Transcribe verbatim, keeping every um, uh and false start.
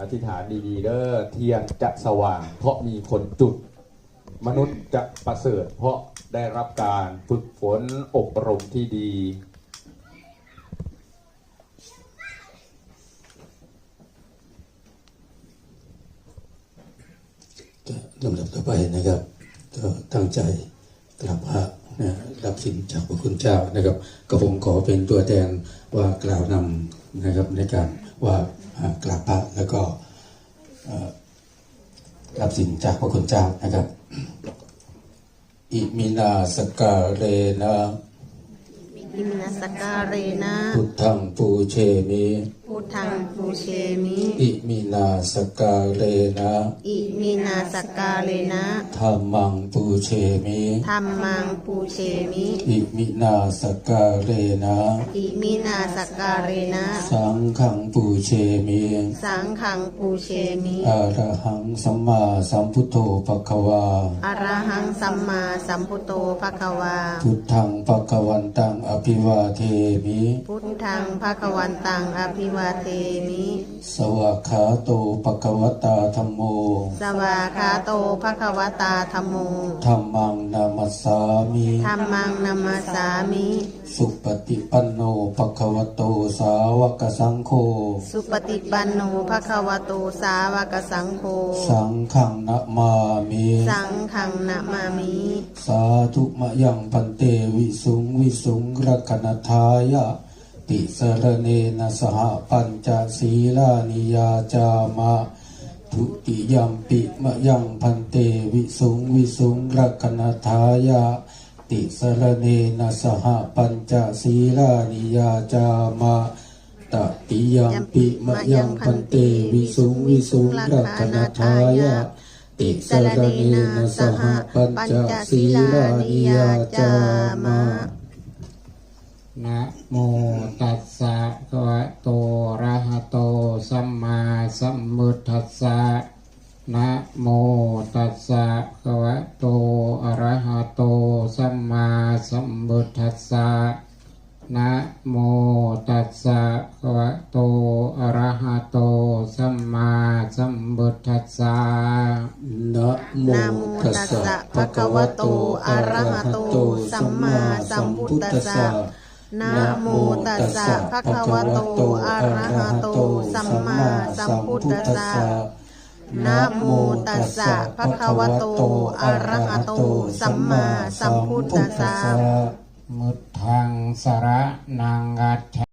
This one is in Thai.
อธิษฐานดีๆเด้อเทียนจะสว่างเพราะมีคนจุดมนุษย์จะประเสริฐเพราะได้รับการฝึกฝนอบรมที่ดีลำดับต่อไปนะครับก็ตั้งใจกราบพระนะรับสินจากพระคุณเจ้านะครับก็ผมขอเป็นตัวแทนว่ากล่าวนำนะครับในการว่ากราบพระแล้วก็รับสินจากพระคุณเจ้านะครับอิมินาสการเรนะอิมินาสการเรนะพุทธังปูเชมิพุทธังปูเชมิอิมินาสการเรนะอิมินาสการเรนะธัมมังปูเชมิธัมมังปูเชมิอิมินาสการเรนะอิมินาสการเรนะสังฆังปูเชมิสังฆังปูเชมิอะระหังสัมมาสัมพุทโธภควาอะระหังสัมมาสัมพุทโธภควาพุทธังภควันตังอภิวาเทมิพุทธังภควันตังอภิวาเทมิสวากขาโตภควตาธัมโมสวากขาโตภควตาธัมโมธัมมังนามัสสามิธัมมังนามัสสามิสุปฏิปันโนภควโตสาวกสังโฆสุปฏิปันโนภควโตสาวกสังโฆสังฆังนะมามิสังฆังนะมามิสาธุมะยังพันเตวิสุงวิสุงรักนทายะติสรเนนะสหปัญจศีลานิยาจามะทุติยัมปิมะยังพันเตวิสุงวิสุงรักนทายะติสรเนนะสหปัญจศีลานิยาจามะตติยัมปิมะยังพันเตวิสุงวิสุงรักนทายะติสรเนนะสหปัญจศีลานิยาจามะนะโมตัสสะภะคะวะโตอะระหะโตสัมมาสัมพุทธัสสะนะโมตัสสะภะคะวะโตอะระหะโตสัมมาสัมพุทธัสสะนะโมตัสสะภะคะวะโตอะระหะโตสัมมาสัมพุทธัสสะนะโมตัสสะภะคะวะโตอะระหะโตสัมมาสัมพุทธัสสะนะโมตัสสะภะคะวะโตอะระหะโตสัมมาสัมพุทธัสสะนะโมตัสสะภะคะวะโตอะระหะโตสัมมาสัมพุทธัสสะมุตถังสระนังกัจฉ